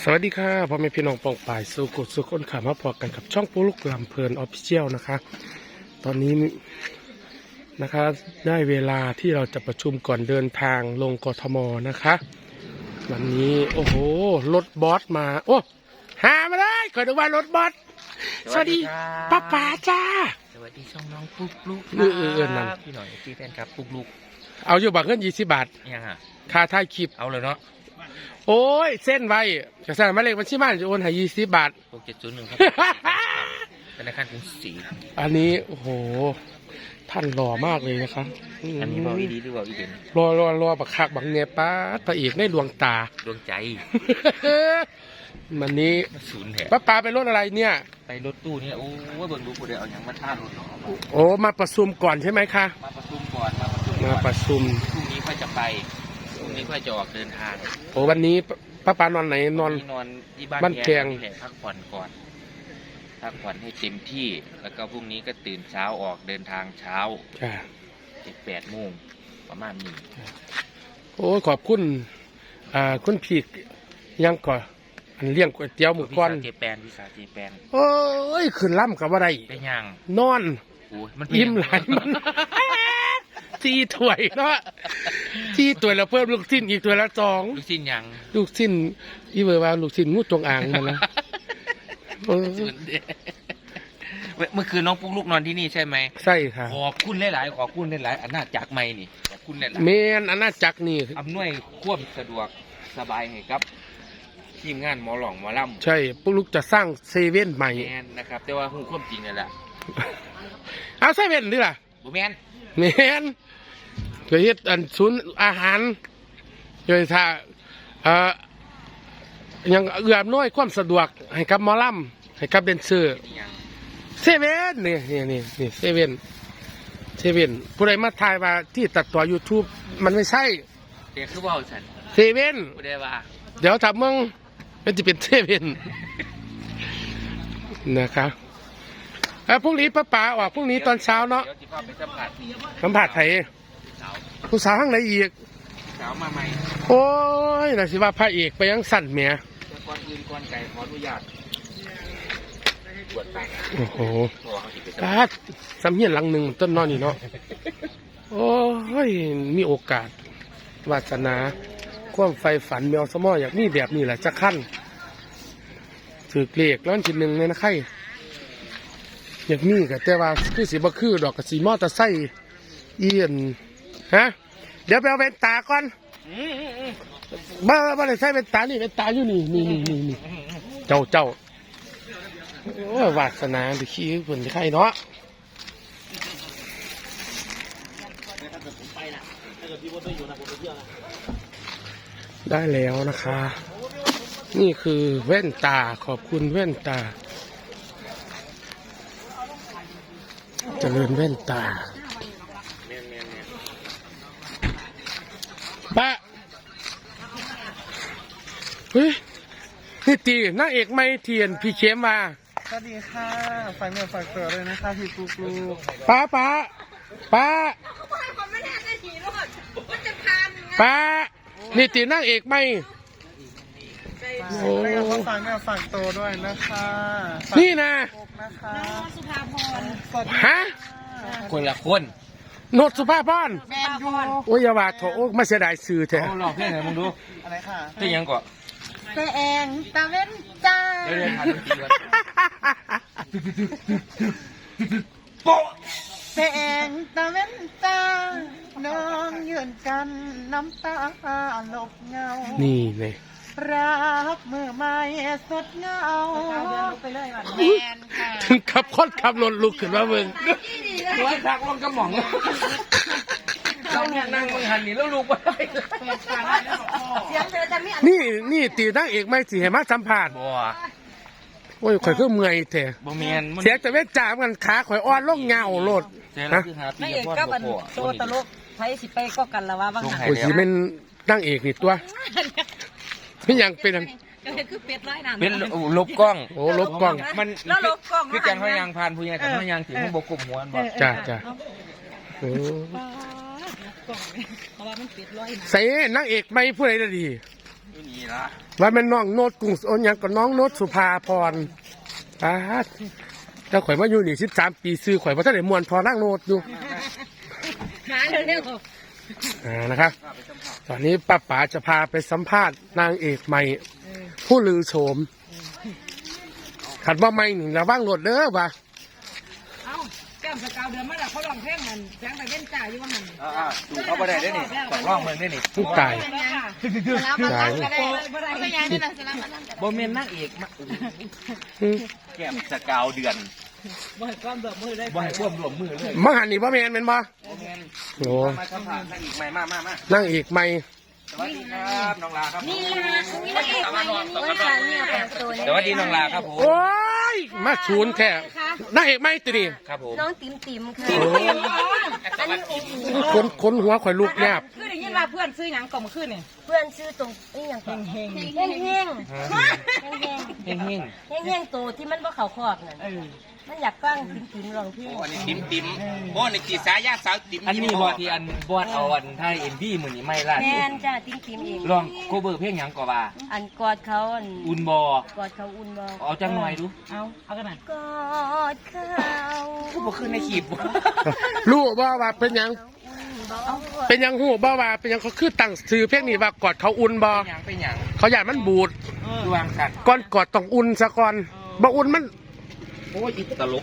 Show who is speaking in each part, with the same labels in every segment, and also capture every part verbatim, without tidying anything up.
Speaker 1: สวัสดีค่ะพ่อแม่พี่น้องปองป่ายสู่กดสู่คนขามาพอกันกับช่องปูลูกลำเพลินออฟฟิเชียลนะคะตอนนี้นะคะได้เวลาที่เราจะประชุมก่อนเดินทางลงกทมนะคะวันนี้โอ้โหรถบอสมาโอ้หามาได้ขอดูว่ารถบอสสวัสดีป้าป๋าจ้า
Speaker 2: สวัสดีช่องน้องปุ๊กลุกค
Speaker 1: เออเออเออนั่น
Speaker 2: พี่หน่อยพี่แฟนครับปุ๊กลุก
Speaker 1: เอาอยู่บักเงินยี่สิบบาท
Speaker 2: ยังอ่ะ
Speaker 1: ค่าถ่ายคลิป
Speaker 2: เอาเลยเนาะ
Speaker 1: โอ้ยเส้นไว้จะสั่งมาเลขบัญชีบ้านจะโอนให้ยี่สิบบาท
Speaker 2: หกเจ็ดศูนย์หนึ่งครับธนาคารกรุงศรี
Speaker 1: อันนี้โอ้โหท่านหล่อมากเลยนะครับ
Speaker 2: อันนี้บอกอีดีหรือบอกอีเด่น
Speaker 1: รอรอรอบักคักบักเนยป้าพระเอกในดวงตา
Speaker 2: ดวงใจ
Speaker 1: วันนี้
Speaker 2: ศูนย์แถบ
Speaker 1: ป้าปาไปรถอะไรเนี่ย
Speaker 2: ไปรถตู้เนี่ยโอ้ว่าเบิ่งดูกูเดี๋ยวเอาอย่างมาท่ารถเนาะ
Speaker 1: โอ้มาประชุมก่อนใช่ไหมคะ
Speaker 2: มาประชุมก่อนมาประชุม
Speaker 1: มาประชุม
Speaker 2: พรุ่งนี้ค่อยจะไปพรุ่งนี้ค่อยจะออกเดินทาง
Speaker 1: โอ้วันนี้ป้าปานอนไหนนอน
Speaker 2: นอนที่บ้าน
Speaker 1: บ้านแพง
Speaker 2: นี่แหละพักผ่อนก่อนพักผ่อนให้เต็มที่แล้วก็พรุ่งนี้ก็ตื่นเช้าออกเดินทางเช้า
Speaker 1: จ้า
Speaker 2: เจ็ดแปดโมงประมาณนี้
Speaker 1: โอ้ขอบคุณอ่าคุณพีกยังก่อนอันเลี้ยงก๋วยเตี๋ยวหมู
Speaker 2: วิ
Speaker 1: ก้อน
Speaker 2: สาเจแปนวิสาเจแปน
Speaker 1: โอ้ยขึ้นล่ำกับอะไร
Speaker 2: เป็นยัง
Speaker 1: นอน
Speaker 2: โอ้ยมัน
Speaker 1: อิ่มหลายมัน จีถ้วยเนาะจีถ้วยแล้วเพิ่มลูกชิ้นอีกถ้วยละสอง
Speaker 2: ลูกชิ้นยัง
Speaker 1: ลูกชิ้นอีเวอร์ว่าลูกชิ้นงูจงอางมันนะเออ
Speaker 2: ส่วนเดียวเมื่อคืนน้องปุ๊กลูกนอนที่นี่ใช่ไหม
Speaker 1: ใช่ค่ะ
Speaker 2: ขอบคุณหลายๆขอบคุณหลายๆอันน่าจากไม่นี่ขอบคุณหลาย
Speaker 1: เมนอาณาจักรนี่
Speaker 2: ๆอำนวยความสะดวกสบายให้ครับทีมงานหมอหลองหมอลำ
Speaker 1: ใช่พวกลูกจะสร้างเซเว่นใหม่
Speaker 2: แมนนะครับ แต่ว่าหูความจริงนั่นแหละ
Speaker 1: เอาเซเว่นดิล่ะ
Speaker 2: บุแมน
Speaker 1: เมนเกิดเฮ็ดอันศูนย์อาหารเกิดถ้าเอ่อยังเอื้ออำนวยความสะดวกให้กับหมอลำให้กับเดนเซอร์
Speaker 2: นี่ยัง
Speaker 1: เซเว่นนี่นี่นี่นี่เซเว่นเซเว่นผู้ใดมาถ่ายว่าที่ตัดต่อ YouTube มันไม่ใช่
Speaker 2: เดี๋ยวคือว่าสัน
Speaker 1: เซเว่น
Speaker 2: กูได้ว่า
Speaker 1: เดี๋ยวถ้ามึงมันจะเป็นเซเว่นนะครับแล้วพรุ่งนี้ป้าป๋าออกพรุ่งนี้ตอนเช้าเนาะ
Speaker 2: เดี๋ยวจะพาไปสัมผัส
Speaker 1: สัมผัสไทย
Speaker 2: สาว
Speaker 1: ผู้สาวข้างไหนอีก
Speaker 2: สาวมาใหม่
Speaker 1: โอ้ยน่าสิว่าพระเอกไปยังสั่นเมีย
Speaker 2: แต่ก่อนอื่นก่อนไก่ขออนุญาตตรวจไป
Speaker 1: โอ้โห
Speaker 2: ตัวเขาสิไปสัม
Speaker 1: ปา
Speaker 2: ผัส
Speaker 1: ดสำเฮียนหลังหนึ่งต้นนอนนี่เนาะโอ้ยมีโอกาสวาสนาความไฟฝันแมวสมออยากมีแบบนี้แหละจะขั้นถือเกลียกร้อนชิ้นหนึ่งเลยนะไข่อยากมีกับแต่ว่าคือสีบะคือดอกกับสีมอเตอร์ไซค์เอียนฮะเดี๋ยวไปเอาเป็นตาก่อนบ้าบ้าเลยใส่เป็นตานี่เป็นตาอยู่นี่นี่นี่นี่นี่เจ้าเจ้าโอ้ยวาสนาไปขี้ผลไข่เนาะได้แล้วนะคะ นี่คือแว่นตาขอบคุณแว่นตาเจริญแว่นตาป้าเฮ้ยนี่ตีนางเอกไม่เทียนพี่เข้มมา
Speaker 3: สวัสดีค่ะฝากเนื้อฝากตัวเลยนะคะพี่ปุ๊กลูก
Speaker 1: ป้าป้าป้าป้านี่ตีนางเอกไม่โอ้
Speaker 3: แล้วก็ฝากเนื้อฝากตัวด้วยนะคะฝาก
Speaker 1: นี่นะ
Speaker 3: ปุ๊กนะคะ
Speaker 4: สุภาพร
Speaker 3: สวัสดี
Speaker 1: ฮะ
Speaker 2: คนละคน
Speaker 1: โนดสุภาพร
Speaker 4: แมนยู
Speaker 1: โอ้ยอย่าว่าโถโอ้มาเสียดายสื่อแท้
Speaker 2: เอาลองเพลงไหนมึงดู
Speaker 3: อะไรค่ะ
Speaker 2: เพลงยังก่อน
Speaker 4: เปเองตาเว้นจ้า
Speaker 2: เดี๋ยวเดี๋ยวทานดนตรีก่อนโป๊ะ
Speaker 4: เปเองตาเว้นจ้าน้องยืนกันน้ำตาหลบเงา
Speaker 1: นี่เลย
Speaker 4: รักมือไม่สดเงาแมนค่ะ
Speaker 1: ถึงขับคดขับรถลุกขึ้นมาเบิ่ง
Speaker 2: ร้อยพักลงกระหม่องเราลูกนั่งมึงหันนี่แล้วลูกไป
Speaker 4: เสียงเธอจะไม่อัน
Speaker 1: นี่นี่ตีนางเอกไม่สิให้มาสัมผัส
Speaker 2: บัว
Speaker 1: โอ้ยข่อยคือเมื่อยแท้
Speaker 2: บ่เมียน
Speaker 1: เสียแต่เวทจ่ามันขาข่อยอ่อนลงเงาโลด
Speaker 2: เสีย
Speaker 1: ฮะ
Speaker 2: คือหาปี
Speaker 4: ไม่เอก
Speaker 2: พ่อ
Speaker 4: ก็มัน
Speaker 2: พ่อ
Speaker 4: โตตลกไทยสิไปก็กันละว่าบางหัน
Speaker 1: โอ้ยสิเป็นนางเอกนี่ตัวไม่ยังเป็นอัน
Speaker 4: ก็เห็นคือเป็ดร้อยน้ำ
Speaker 2: เป็นลบกล้อง
Speaker 1: โอ้ลบกล้อง
Speaker 2: มัน
Speaker 4: แล้วลบกล้อง
Speaker 2: คือจังเขายางพานผู้ใหญ่กับเขายางถึงมันบกกลุ่มหัวบ่
Speaker 1: จ้าจ้าโอ้
Speaker 4: กล้องเพราะว่ามันเป็ดร้อยน้ำ
Speaker 1: ใส่นางเอกไม่ผู้ใดได้ดี
Speaker 2: นี่ละ
Speaker 1: ว่าแม่นน้องโนดกรุงโอนหยังก็น้องโนดสุภาพรอ่าถ้าข่อยมาอยู่นี่สิบสามปีซื้อข่อยบ่ทันได้ม่วนพอนั่งโนดอยู่
Speaker 5: หาเร็ว
Speaker 1: อ่านะครับ ตอนนี้ป้าป๋าจะพาไปสัมภาษณ์นางเอกใหม่ ผู้ลือโฉมขัดว่าไม่หนึ่งระว่างรถเด้อว่ะ
Speaker 5: ๆเอ้าแก้มสกาวเดือนมาแล้วเขาลองเพลงมันแสงไปเล่นจ่าอยู่ว่ามัน
Speaker 2: อ่าดูเขาบ่ได้ได้นี่ต้องร้องเมืองได้นี่
Speaker 1: ผู้ตาย ตาย
Speaker 5: เป็นยังนี่นะ
Speaker 2: บ่แม่นนางเอกมา
Speaker 1: อืม
Speaker 2: แก้มสกาวเดือน
Speaker 5: บ่ให้ความเดือดมือได้
Speaker 2: บ่ให้ร่วมรวมมือเลย
Speaker 1: มังหันนี่บ่แม่นแม่นบ่
Speaker 2: บ่แม่น
Speaker 1: โอ้
Speaker 2: มาสัมภาษณ์นางเอกใหม่มามามา
Speaker 1: นางเอกใหม่
Speaker 2: สวัสดีครับน้องลาครับ
Speaker 5: นี่ละนี่ละเอกมานี่นี่ละเนี่ยแต่งตัว
Speaker 2: สวัสดีน้องลาครับผม
Speaker 1: โอ้ยมาศูนย์แท้นางเอกใหม่ตัวนี้
Speaker 2: ครับผม
Speaker 5: น้องติ๋มติ๋มค่ะ
Speaker 1: โอ้
Speaker 5: อันนี้โอ้โห
Speaker 1: คนคนหัวข่อยลุกแนบ
Speaker 5: คือได้ยินว่าเพื่อนซื้อหยังก่อนเมื่อคืนนี่
Speaker 6: เพื่อนชื่อตรงนี่อย่างก่อน
Speaker 5: เฮง
Speaker 6: เฮงเฮงเฮงเฮง
Speaker 2: เฮงเฮง
Speaker 6: เฮงเฮงตัวที่มันว่าเขาครอบนั่น
Speaker 5: เออ
Speaker 6: มันอยากฟังติ๋มติ๋มลองพี่
Speaker 2: อันนี้ติ๋มติ๋มโอ้นี่กี่สายาสาวติ๋มอันนี้บ่ที่อันบอดเอาอันไทยเอ็มวีมื้อนี้ไม่ล่ะ
Speaker 6: แมนจ้าติ๋มติ๋มเอง
Speaker 2: ลองโคเวอร์เพลงหยังก็ว่า
Speaker 6: อันกอดเขาอัน
Speaker 2: อุ่นบ่
Speaker 6: กอดเขาอุ่นบอก
Speaker 2: เอาจังหน่อยดู
Speaker 5: เอาเอากันหน่อย
Speaker 6: กอดเขา
Speaker 2: คือบ่ขึ้นในคลิปบ่
Speaker 1: รู้บ่ว่าเป็นหยัง
Speaker 6: เอา
Speaker 1: เป็นหยังหูบ่ว่าเป็นหยังเขาคือตั้งชื่อเพลงนี้ว่ากอดเขาอุ่นบ่
Speaker 2: เป็นหยังเป็นหยัง
Speaker 1: เขาอยากมันบูด
Speaker 2: ดวงสัตว์
Speaker 1: ก่อนกอดต้องอุ่นซะก่อนบ่อุ่นมัน
Speaker 2: โอ้ยอีตลก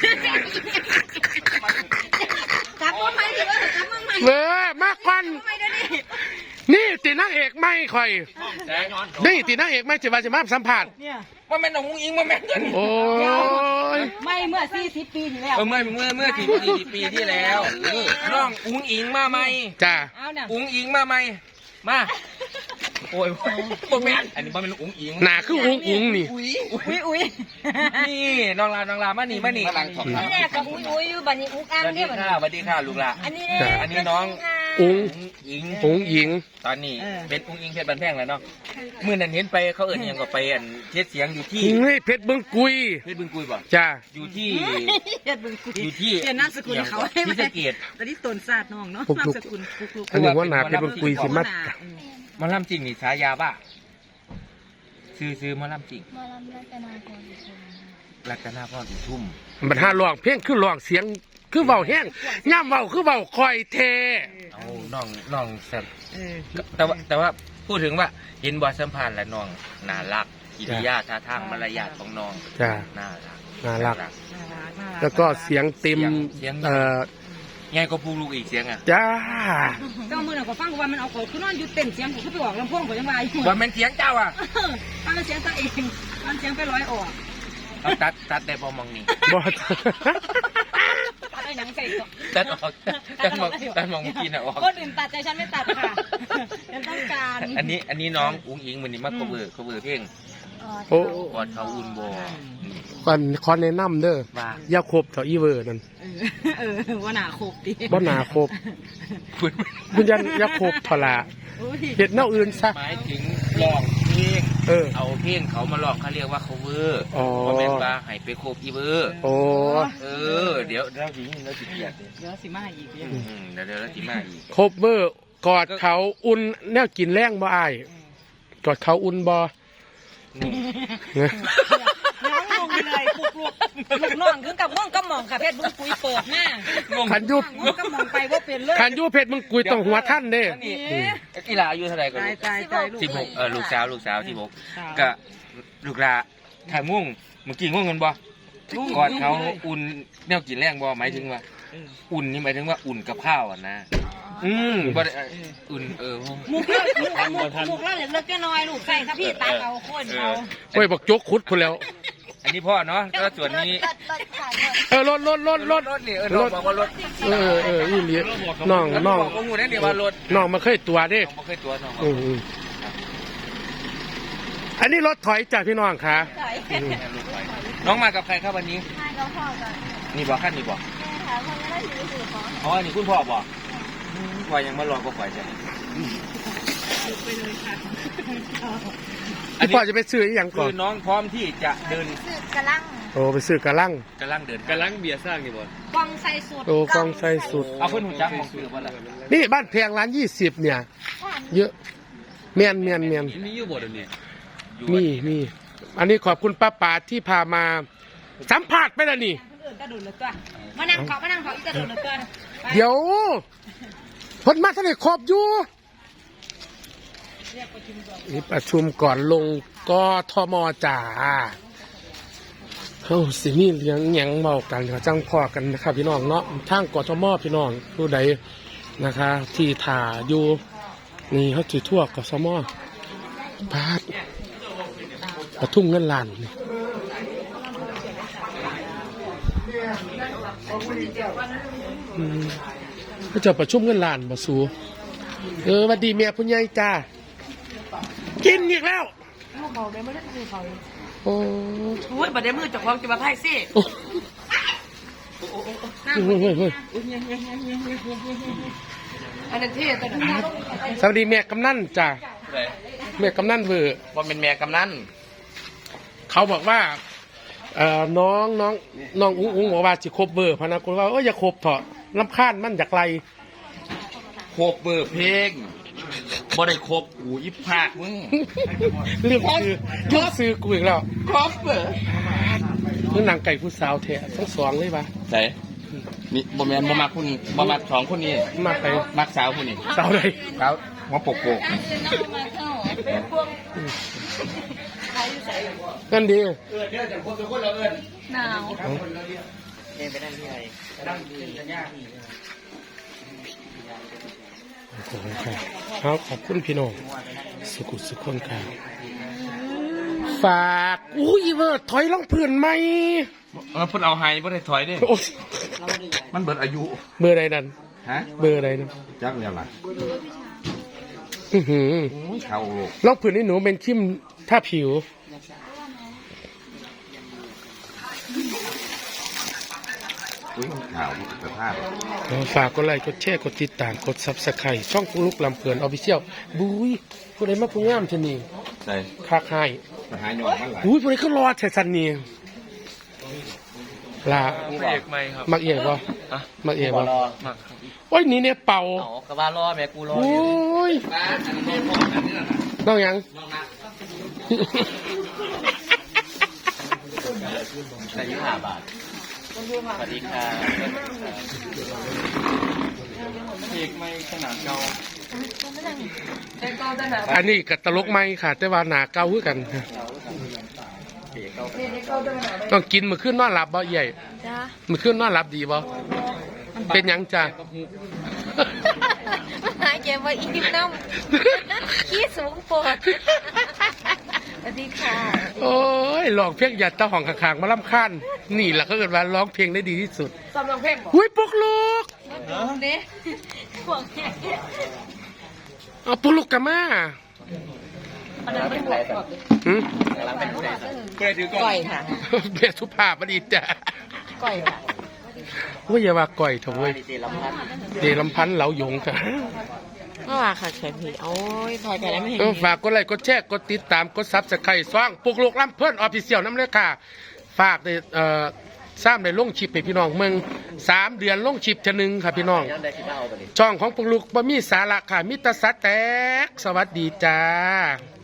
Speaker 5: จับมาใหม่ดิว่าจับมาใหม่
Speaker 1: เว้อมากกว่านี่ตีนางเอกไม่ข่อย
Speaker 2: แสงย้อน
Speaker 1: นี่ตีนางเอกไม่จะมาจะมาสัมผัส
Speaker 5: เนี่ย
Speaker 2: ว่าแม่นน้องอุ้งอิงว่าแม่นเงิน
Speaker 1: โอ้ย
Speaker 5: ไม่เมื่อสี่สิบปีที่แล้ว
Speaker 2: เออเมื่อเมื่อเมื่อสี่สี่ปีที่แล้วน้องอุ้งอิงมาไหม
Speaker 1: จ้า
Speaker 5: เอาเนี่ย
Speaker 2: อุ้งอิงมาไหมมาโอ้ยบ่แม่นอันนี้บ่แม่นอุ้งอิง
Speaker 1: หนาคืออุ้งอุ้งนี่
Speaker 2: อุ้ย
Speaker 5: อุ้ยอุ้ย
Speaker 2: นี่น้องลาน้องลามานี่มานี่
Speaker 6: นี่แหละกับอุ้ยอุ้ยอยู่บัดนี้อุ้งอัง
Speaker 2: สวัสดี
Speaker 6: เนี่ยบัด
Speaker 2: ค่ะ
Speaker 6: นี้
Speaker 2: สวัสดีค่ะลูกหลาน
Speaker 6: อันนี้เนี่ย
Speaker 2: อันนี้น้อง
Speaker 1: อุ้ง
Speaker 2: อุ้งอิง
Speaker 1: อุ้งหญิง
Speaker 2: ตอนนี้เป็นอุ้งอิงเพชรบันแพงแล้วเนาะมื่อนั้นเห็นไปเขาเอิ้นอิหยังก็ไปอันเทศเสียงอยู่ที่
Speaker 1: เฮ้ยเพชรเบิ้งกุย
Speaker 2: เพชรบึงกุยบ่
Speaker 1: จ้า
Speaker 2: อยู่ที่
Speaker 5: เฮ็ดบึงกุย
Speaker 2: อยู่ที่
Speaker 5: เปลี่ยนนามสกุลให้เขาให้
Speaker 2: ที่สะเกด
Speaker 5: ตอนนี้ตนศาสตร์น้องเนาะ
Speaker 1: ปุ๊ก
Speaker 5: นาม
Speaker 1: ลุก
Speaker 5: สกุลปุกลุก
Speaker 1: อันนี้ว่าหนาเพชรเบิ้งกุยสิมา
Speaker 2: หมาล่ำจริงนี่ฉายาว่าซื้อซื้อหมาล่ำจริง
Speaker 6: มาลำรัตนาพร
Speaker 2: รัตนาพรอุทุม
Speaker 1: มันหาร้องเพลงคือร้องเสียงคือเบาแห้งย่ำเบาคือเบาคอยเท
Speaker 2: เอาน้องน้องแซ่บ
Speaker 5: เออ
Speaker 2: แต่ว่าแต่ว่าพูดถึงว่าเห็นบอสัมพันธ์และน้องน่ารักกิริยาท่าทางมารยาทของน้อง
Speaker 1: จ้า
Speaker 2: น่ารัก
Speaker 1: น่ารัก
Speaker 5: น่ารักน่ารัก
Speaker 1: แล้วก็เสียงเต็ม
Speaker 2: เสียง
Speaker 1: เอ่อ
Speaker 2: ไงก็พูดลูกอีกเสียงอ่ะ
Speaker 1: จ้า
Speaker 5: เจ้ามือน่ะก็ฟังว่ามันเอาเขาคือนอนอยู่เต็มเสียงผมก็ไปออกลำโพงก็ยังว่าอยู่
Speaker 2: ว่าแม่นเสียงเจ้าอ่ะ
Speaker 5: ฟังเสียงตัวเองฟังเสียงไปร้อยออก
Speaker 2: เอาตัดตัดได้พอมองนี่
Speaker 1: บอ
Speaker 5: ตัดได้หยังใส่ก็
Speaker 2: ตัดออกตัดมองตัดมองเมื่อกี้น่ะออก
Speaker 5: คนอื่นตัดใจฉันไม่ตัดค่ะฉันต้องการ
Speaker 2: อันนี้อันนี้น้องอุ้งอิงมันนี่มา cover cover เพลง
Speaker 1: โอ้
Speaker 2: กอดเขาอุ่นบ่
Speaker 1: ก่อนขอแนะนำเด้อ
Speaker 2: ว่า
Speaker 1: อย่าคบเถอะอีเวอร์นั่น
Speaker 5: เออเออว่าหนาโคกดี
Speaker 1: บ่หนาคบคุณยันอย่าคบพละ
Speaker 5: โอ้ย
Speaker 1: เฮ็ดแนวอื่นซะ
Speaker 2: หมายถึงร้องเพลง
Speaker 1: เออ
Speaker 2: เอาเพลงเขามาร้องเขาเรียกว่า cover
Speaker 1: อ๋อ
Speaker 2: บ่แม่นว่าให้ไปโคบอีเวอร์
Speaker 1: โอ้
Speaker 2: เออเดี๋ยวเราสิเราสิเกลียดเด้
Speaker 5: เดี๋ยวสิมาอีกเดี๋ยว
Speaker 2: อืมเดี๋ยวเดี๋ยวเราสิมาอีก
Speaker 1: คบเบอร์กอดเขาอุ่นแนวกินแรงบ่อายกอดเขาอุ่นบ่
Speaker 2: นี่
Speaker 1: เนี่ย
Speaker 5: น้องลงเลยปุกลุกลูกน้องถึงกับม่วงก็มองค่ะเพชรบุ้งปุยเปิดหน้า
Speaker 1: ขันยุบ
Speaker 5: ม่วงก็มองไปว่าเป็นเลย
Speaker 1: ขันยุบเพชรมึงกุยต้องหัวท่านเด้
Speaker 2: นี่กีฬาอายุเท่าไหร่ก็
Speaker 5: ตายตายตายลูก
Speaker 2: สิบหกเออลูกสาวลูกสาวสิบหกก็ลูกหลาถ่ายม่วงเมื่อกี้ง่วงเงินบ่กอดเขาอุ่นแนวกินแรงบ่หมายถึงว่า อุ่นนี่หมายถึงว่าอุ่นกับข้าวอ่ะนะอืมบ่ได้อุ่นเออ
Speaker 5: มุกเลิกมุกมุกมุกเลิกเล็กๆน้อยลูกใส่ถ้าพี่ตาเอาโคตรเอา
Speaker 1: โอ้ยบอกจกขุดคนแล้ว
Speaker 2: อันนี้พ่อเนาะแล้วส่วนนี้
Speaker 1: เออรถรถรถรถ
Speaker 2: รถนี่เออน้องบอกว่ารถ
Speaker 1: เออเอออีหลีน้องน้อง
Speaker 2: บอกว่างูนั่นเดี๋ยวว่ารถ
Speaker 1: น้องมาเคยตัวเด้
Speaker 2: น้องบ่เคยตัวน้อง
Speaker 1: อืมอืมอันนี้รถถอยจากพี่น้องค่ะ
Speaker 2: น้องมากับใครครับวันนี้
Speaker 6: ให้เขาพ่อกัน
Speaker 2: นี่บอกขั้นนี่บอก
Speaker 6: แม่ค่ะคนก็ได้ถือถือของ
Speaker 2: อ๋อนี่คุณพ่อบอกว่ายังมารอก็ฝ่ายใจ
Speaker 5: ไปเลยค่ะ
Speaker 1: พี่พ่อจะไปซื้ออีหยังก่
Speaker 2: คือ อน น้องพร้อมที่จะเดิน
Speaker 6: สืบกระลัง
Speaker 1: โอ้ไปซื้อกระลัง
Speaker 2: กำลังเดินกำลังเบียร์สร้างนี่บ่
Speaker 5: กองใส่สุด
Speaker 1: โอ้กองใส่สุด
Speaker 2: เอาเพิ่นหูจักมองซื้อบ่ล่ะ
Speaker 1: นี่บ้านแพงร้านยี่สิบเนี่ย เยอะเมียนเมียนเมียน
Speaker 3: มีอยู่บ่เดี๋ยวนี้
Speaker 1: มีมีอันนี้ขอบคุณป้าป่าที่พามาสัมผัสไปแล้วนี่
Speaker 5: คนอื่นกระโดดเลยตัวมานั่งขอมานั่งขออีกกระโดดเลยตัว
Speaker 1: เดี๋ยวเพ้นมาทะเลขอบอยู่นี่ประชุมก่อนลงกทมจ่าเฮ้าสินี่เลี้ยงหยังเมากันเขาจังพอกันนะครับพี่น้องเนาะทางกทมพี่น้องผู้ใดนะคะ ที่ถ่าอยู่นี่เขาถือทั่วกทมพาดประทุ่งเงินล้านนี่อืมเขาจะประชุมเงินล้านมาสู่เออสวัสดีเมียคุณยายจ้ากินอีกแล้ว
Speaker 5: ลูกเขาได้ไม่ได้คือเขา
Speaker 1: โอ้
Speaker 5: โอ้ยบัดเดี๋ยวมือจากความจะมาไพ่สิ
Speaker 1: โอ้เฮ้ยเฮ้ยเฮ้ย
Speaker 5: อันนั้นที่แต่ทุกอย่าง
Speaker 1: สวัสดีเมียกำนันจ้าเมียกำนันเวอร์
Speaker 2: ว่าเป็นแม่กำนัน
Speaker 1: เขาบอกว่าเอ่อน้องน้องน้องอุ้งอุ้งบอกว่าจิครบเบอร์พะนะคุณว่าเอออย่าครบเถอะลำคาญมันจากไร
Speaker 2: โคบเบอร์เพลงบ่ได้ครบกูยิบภาคมึง
Speaker 1: เรื่องซื้อเรื่องซื้อกูอีกแล้ว
Speaker 2: ครบเบอร์
Speaker 1: นี่นางไก่ผู้สาวแท้ทั้งสองเลยปะ
Speaker 2: ใส่นี่บ่แม่นบ่มักคนบ่มักสองคนนี้
Speaker 1: มาไป
Speaker 2: มักสาวคนนี้
Speaker 1: สาวใด
Speaker 2: สาวหัวโปกโปก
Speaker 1: นั่นดี
Speaker 6: หนาว
Speaker 1: ขอบคุณครับครับขอบคุณพี่น้องสุขุสุขคนครับฝากอุ้ยเวอร์ถอยล่องเพื่อนไหม
Speaker 2: เออเพิ่นเอาไฮบ่ได้ถอยเด้
Speaker 1: โอ้ย
Speaker 2: มันเบิดอายุ
Speaker 1: เบอร์ใดนั่น
Speaker 2: ฮะ
Speaker 1: เบอร์ใดนั่น
Speaker 2: จักแล้วล่ะ
Speaker 1: อื้อหือ
Speaker 2: เข้าโลก
Speaker 1: ล่องเพื่อนนี่หนูเป็นคิมท่าผิว
Speaker 2: อุ้ยข่าวสภาพ
Speaker 1: ฝากกดไลค์กดแชร์กดติดตามกดซับสไครต์ช่องปุ๊กลุกลำเพลินออฟฟิเชียลบุ้ยผู้ใดมาผู้งามชะนี
Speaker 2: ใส่
Speaker 1: คากให้
Speaker 2: ไปหาหยองมันหลาย
Speaker 1: บุ้ยผู้ใดก็รอแถสันนี่ลา
Speaker 3: เอกไหมครับ
Speaker 1: มักเอียบ่มักเอียบ่
Speaker 3: มัก
Speaker 1: โอ้ยนี่เนี่ยเป่า
Speaker 3: อ๋อกระบะรอแม่กูรอ
Speaker 1: โอ้ยน้องยัง
Speaker 3: แต่ยี่ห้าบาทสวัสดีครับเอกไหมขนาดเก่า
Speaker 1: อันนี้กับตลกไหมค่ะ แต่ว่าหนาเก้าคือกันต้องกินมือขึ้นนอนหลับบ่ใหญ่
Speaker 6: จ้า
Speaker 1: มือขึ้นนอนหลับดีบ่เป็นหยังจ้ะ
Speaker 6: หายใจว่าอิ่มน้ำขี้สูงปวดสวัสดีค่ะ
Speaker 1: โอ้ยร้องเพลงหยัดตาห้องข้างๆมาล่ำค้านนี่แหละก็เกิดว่าร้องเพลงได้ดีที่สุด
Speaker 5: ซ้อมร้องเพลงบอก
Speaker 1: อุ้ยปุกลูก
Speaker 6: เด้ห่วงแค่
Speaker 1: เอาปุกลูกกันมา
Speaker 5: อันนั้นเป็นหัวก่อน
Speaker 1: หืม
Speaker 5: ก่อยค่ะ
Speaker 1: เบียสุภาพบดีจ้ะ
Speaker 5: ก่อยค่ะ
Speaker 1: ว่าอย่าว่าก่อยเถอะเว้ยเดลำพันธ์เหลาหยงค่ะ
Speaker 5: เมื่อวานค่ะแขนผีโอ้ยถอยไปแล้วไม่เห็น
Speaker 1: เออฝากกดไลค์กดแชร์กดติดตามกดซับสไครต์ซ่องปุกลูกลำเพิ่นออฟฟิเชียลน้ำเลยค่ะ ฝากในเอ่อสร้างในลงชิปให้พี่น้องเมืองสามเดือนลงชิปจะหนึ่งค่ะพี่น้อง ช่องของปุกลูกบ่มีสาระค่ะมิตรสัตแตกสวัสดีจ้า